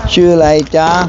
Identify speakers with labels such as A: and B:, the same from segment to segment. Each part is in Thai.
A: ชื่ออะไรจ๊ะ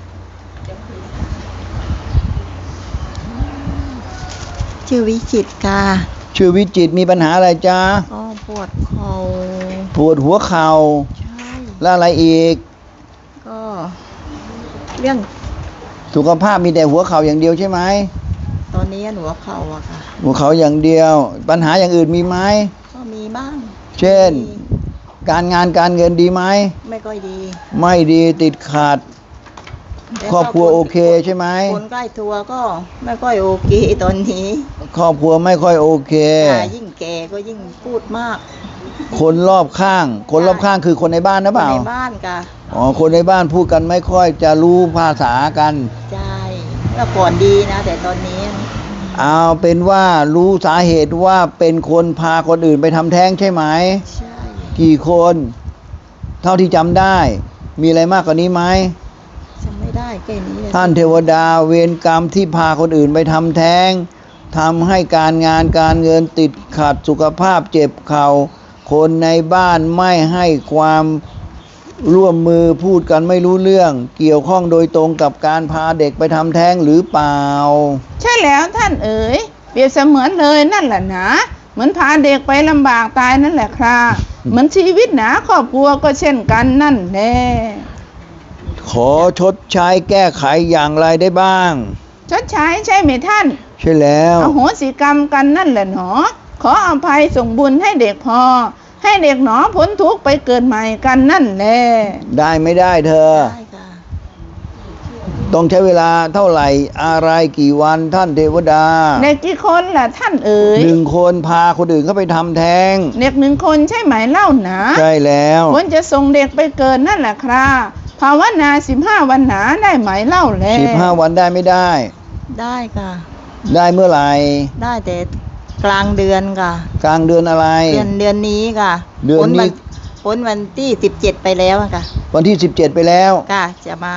B: ชื่อวิจิตรค่ะ
A: ชื่อวิจิตรมีปัญหาอะไรจ๊ะ
B: ก็ปวดเข่า
A: ปวดหัวเข่า
B: ใช่
A: แล้วอะไรอีก
B: ก็เรื่อง
A: สุขภาพมีแต่หัวเข่าอย่างเดียวใช่ไหม
B: ตอนนี้หัวเข่าอะค่ะ
A: หัวเข่าอย่างเดียวปัญหาอย่างอื่นมีไหม
B: ก็มีบ้าง
A: เช่นการงานการเงินดีไหม
B: ไม่ค่อยดี
A: ไม่ดีติดขัดครอบครัวโอเคใช่ไหม
B: คนใกล้ตัวก็ไม่ค่อยโอเคตอนนี้
A: ครอบครัวไม่ค่อยโอเค
B: ยิ่งแก่ก็ยิ่งพูดมาก
A: คนรอบข้างคือคนในบ้านนะเปล่า
B: ในบ้านค่ะ
A: อ๋อคนในบ้านพูดกันไม่ค่อยจะรู้ภาษากัน
B: ใช่เมื่อก่อนดีนะแต่ตอนนี้
A: เอาเป็นว่ารู้สาเหตุว่าเป็นคนพาคนอื่นไปทำแท้งใช่ไหม
B: ใช่
A: กี่คนเท่าที่จำได้มีอะไรมากกว่านี้ไหม
B: จำไม่ได้แค่นี้เลย
A: ท่านเทวดาเวรกรรมที่พาคนอื่นไปทำแท้งทำให้การงานการเงินติดขัดสุขภาพเจ็บเข่าคนในบ้านไม่ให้ความร่วมมือพูดกันไม่รู้เรื่องเกี่ยวข้องโดยตรงกับการพาเด็กไปทำแท้งหรือเปล่า
C: ใช่แล้วท่านเอ๋ยเปรียบเสมือนเลยนั่นแหละนะเหมือนพาเด็กไปลำบากตายนั่นแหละครับเหมือนชีวิตหนาครอบครัวก็เช่นกันนั่นแหละ
A: ขอชดใช้แก้ไขอย่างไรได้บ้าง
C: ชดใช้ใช่ไหมท่าน
A: ใช่แล้ว
C: อโหสิกรรมกันนั่นแหละหนอขออภัยส่งบุญให้เด็กพอให้เด็กหนอพ้นทุกข์ไปเกิดใหม่กันนั่นแหละ
A: ได้ไม่ได้เธอได้ค่ะต้องใช้เวลาเท่าไหร่อะไรกี่วันท่านเทวดา
C: เด็กกี่คนล่ะท่านเอ๋ย
A: 1 คนพาคนอื่นเข้าไปทำแท้ง
C: เด็ก1 คนใช่ไหมเล่านะ
A: ใช่แล้ว
C: ควรจะส่งเด็กไปเกิดนั่นแหละครับภาวนา15 วันหนาได้ไหมเล่าแล
A: 15 วันได้ไม่ได้
B: ได้ค่ะ
A: ได้เมื่อไหร่
B: ได้แต่กลางเดือนค่ะ
A: กลางเดือนอะไร
B: เดือนนี้ค่ะ
A: เดือนนี้
B: พ้นวันที่17ไปแล้วค่ะ
A: วันที่17ไปแล้ว
B: ค่ะจะมา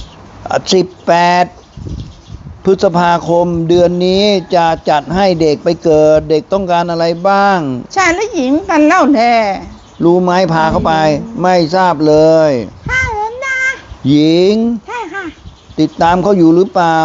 A: 18 พฤษภาคมเดือนนี้จะจัดให้เด็กไปเกิดเด็กต้องการอะไรบ้าง
C: ชายและหญิงกันเล่าแล
A: รู้ไหมพาเข้าไปไม่ทราบเลย
C: ค่ะแล้วนะ
A: หญิง
C: ใช่ค่ะ
A: ติดตามเขาอยู่หรือเปล่า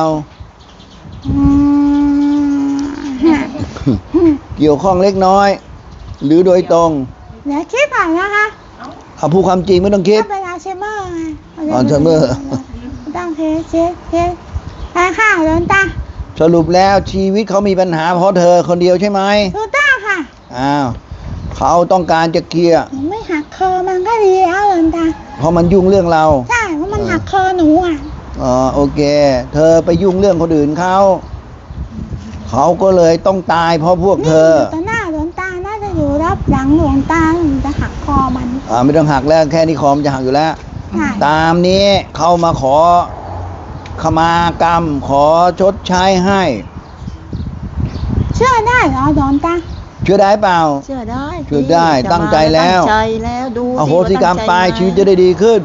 A: เกี่ยวข้องเล็กน้อยหรือโดยตรง
C: เดี๋ยวคิดก่อนนะคะ
A: เอาพูดความจริงไม่ต้องคิด
C: เวลาเชมเมอร์ไง
A: เชมเมอร์
C: ต้องเทไปค่ะหลวงตา
A: สรุปแล้วชีวิตเขามีปัญหาเพราะเธอคนเดียวใช่ไหม
C: ถูกต้องค่ะ
A: อ้าวเขาต้องการจะเคลียร์
C: ไม่หักคอมันก็ดีแล้วหลวงตา
A: เพราะมันยุ่งเรื่องเรา
C: ใช่เพราะมันหักคอหนูอ่ะ
A: อ๋อโอเคเธอไปยุ่งเรื่องคนอื่นเขาก็เลยต้องตายเพราะพวกเธอ
C: ต่อหน้าหลวงตาน่าจะอยู่รับหลังหลวงตาจะหักคอมัน
A: ไม่ต้องหักแล้วแค่นี้คอมจะหักอยู่แล้วตามนี้เข้ามาขอขมากรรมขอชดใช้ให้
C: เชื่อได้เหรอหลวงตา
A: เชื่อได้เปล่า
B: เชื่อ
A: ได้ตั้งใจแล้ว
B: ดู
A: อโหสิกรรมไปชีวิตจะได้ดีขึ้น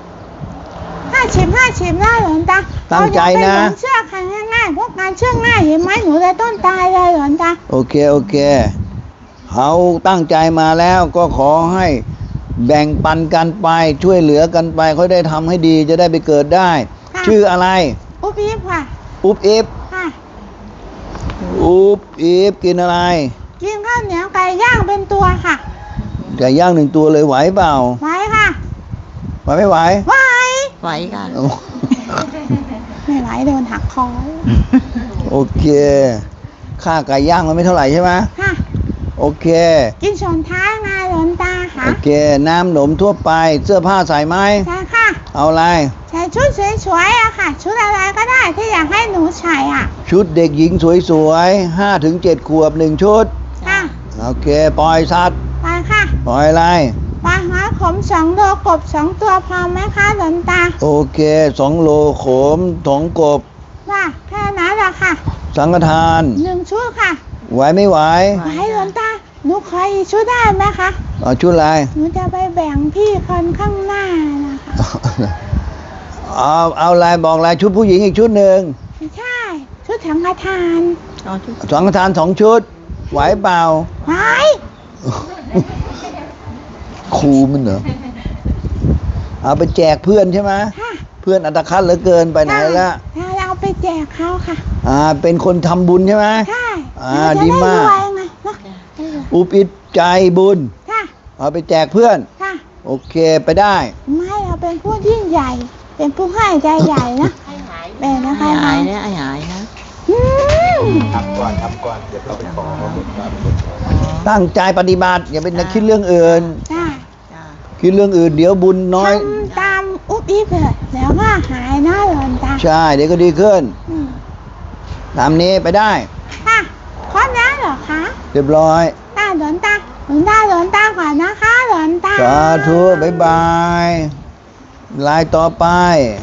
C: 50ได้หลวงตา
A: ตั้งใจนะ
C: เชื่อใครง่ายๆพวกงานเชื่อง่ายเห็นไหมหนูเลยต้นตายเลยหลวงตา
A: โอเคเขาตั้งใจมาแล้วก็ขอให้แบ่งปันกันไปช่วยเหลือกันไปเขาได้ทำให้ดีจะได้ไปเกิดได้ชื่ออะไร
C: อุ๊บอิ๊บค่ะ
A: อุ๊บอิ๊บ
C: ค่ะ
A: อุ๊บอิ๊บกินอะไร
C: กินข้าวเหนียวไก่ย่างเป็นตัวค่ะ
A: ไก่ย่าง1 ตัวเลยไหวเปล่า
C: ไหวค่ะ
A: ไหวไม่ไหว
B: ไหวค่ะ
C: ไม่ไหวโดนหักคอ
A: โอเคค่าไก่ย่างมันไม่เท่าไหร่ใช่ไหม
C: ค่ะ
A: โอเค
C: กินช้อนท้ายไงหลวงตาค่ะ
A: โอเคน้ำหนมทั่วไปเสื้อผ้าใส่ไหม
C: ใช่ค่ะ
A: เอาอะไร
C: ใส่ชุดสวยๆอะค่ะชุดอะไรก็ได้ที่อยากให้หนูใส่อะ
A: ชุดเด็กหญิงสวยๆ5 ถึง 7 ขวบ1 ชุด
C: ค่ะ
A: โอเคปล่อยสัตว์
C: ไปค่ะ
A: ปล่อยอะไร
C: ปลาหาขม2 โลกบ2 ตัวพอไหมคะหลวงตา
A: โอเค2 โลขม2 กบ
C: ค่ะแค่นั้นแหละค่ะ
A: สังฆทาน
C: 1 ชุดค่ะ
A: ไหวไม่ไหว
C: หลวงตาหนูขออีกชุดได้ไหมคะ
A: ชุดอะไร
C: หนูจะไปแบ่งพี่คนข้างหน้านะคะ
A: เอาอะไรบอกอะไรชุดผู้หญิงอีกชุดหนึ่ง
C: ใช่ชุดสังฆทาน
A: สังฆทาน2 ชุดไหวเปล่า
C: ไหว
A: ครูมันเหรอเอาไปแจกเพื่อนใช่ไหม
D: ค่ะ
A: เพื่อนอัตคัดเหลือเกินไปไหนแล้ว
D: เราเอาไปแจกเขาค่ะ
A: เป็นคนทำบุญใช่ไหม
D: ใช่
A: เราจะดีมาก
D: รวยไงเนอะ
A: อุปิศใจบุญ
D: ค่ะ
A: เอาไปแจกเพื่อน
D: ค่ะ
A: โอเคไปได้
D: ไม่เราเป็นผู้ยิ่งใหญ่ เป็นผู้ให้ใจใหญ่นะเป็นนะ
B: ให้
D: คะ
B: หายนะให้หายนะ
D: อืม
E: ทำก่อนเดี๋ยวเราไปขอ
A: ตั้งใจปฏิบัติอย่าไปคิดเรื่องอื่น
D: ใช่
B: จ้า
A: คิดเรื่องอื่นเดี๋ยวบุญน้อย
D: ทำตามอุ๊บอิ๊บเลยแล้วก็หายนะหลอนตา
A: ใช่เดี๋ยวก็ดีขึ้น
D: อืม
A: ตามนี้ไปได้
D: ค่ะครบแล้วเหรอคะ
A: เรียบร้อย
D: ตาหลอนตาหลอนตาหลอนตาก่อนนะคะหลอนตา
A: สาธุบ๊ายบายลายต่อไป